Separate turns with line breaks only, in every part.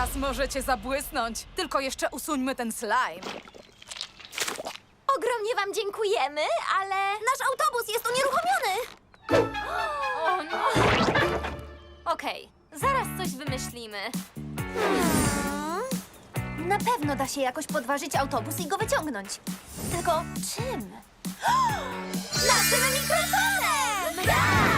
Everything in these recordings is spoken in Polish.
Teraz możecie zabłysnąć. Tylko jeszcze usuńmy ten slime.
Ogromnie wam dziękujemy, ale nasz autobus jest unieruchomiony.
O nie! Okej, zaraz coś wymyślimy.
Na pewno da się jakoś podważyć autobus i go wyciągnąć. Tylko czym? Naszym mikrofonem!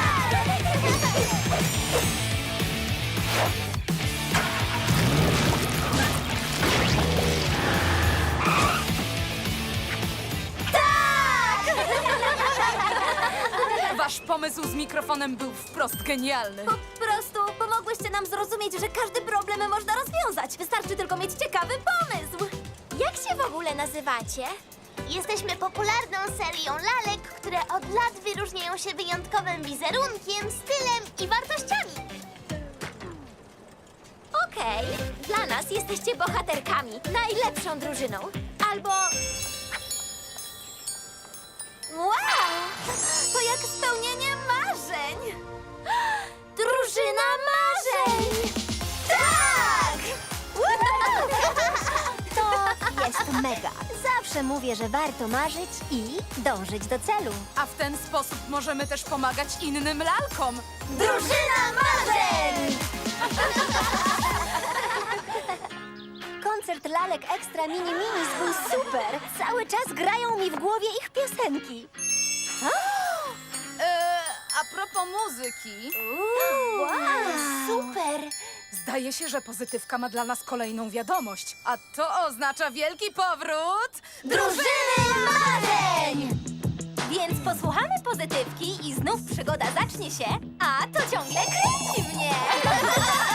Wasz pomysł z mikrofonem był wprost genialny.
Po prostu pomogłyście nam zrozumieć, że każdy problem można rozwiązać. Wystarczy tylko mieć ciekawy pomysł. Jak się w ogóle nazywacie?
Jesteśmy popularną serią lalek, które od lat wyróżniają się wyjątkowym wizerunkiem, stylem i wartościami.
Okej, dla nas jesteście bohaterkami, najlepszą drużyną. Albo... Wow! To jak spełnienie marzeń! Drużyna marzeń! Tak!
To jest mega. Zawsze mówię, że warto marzyć i dążyć do celu.
A w ten sposób możemy też pomagać innym lalkom.
Drużyna marzeń!
Koncert lalek Ekstra Mini Minis był super. Cały czas grają mi w głowie ich piosenki.
A propos muzyki,
Wow, super!
zdaje się, że Pozytywka ma dla nas kolejną wiadomość. A to oznacza wielki powrót
Drużyny marzeń! Więc posłuchamy Pozytywki i znów przygoda zacznie się, a to ciągle kręci mnie!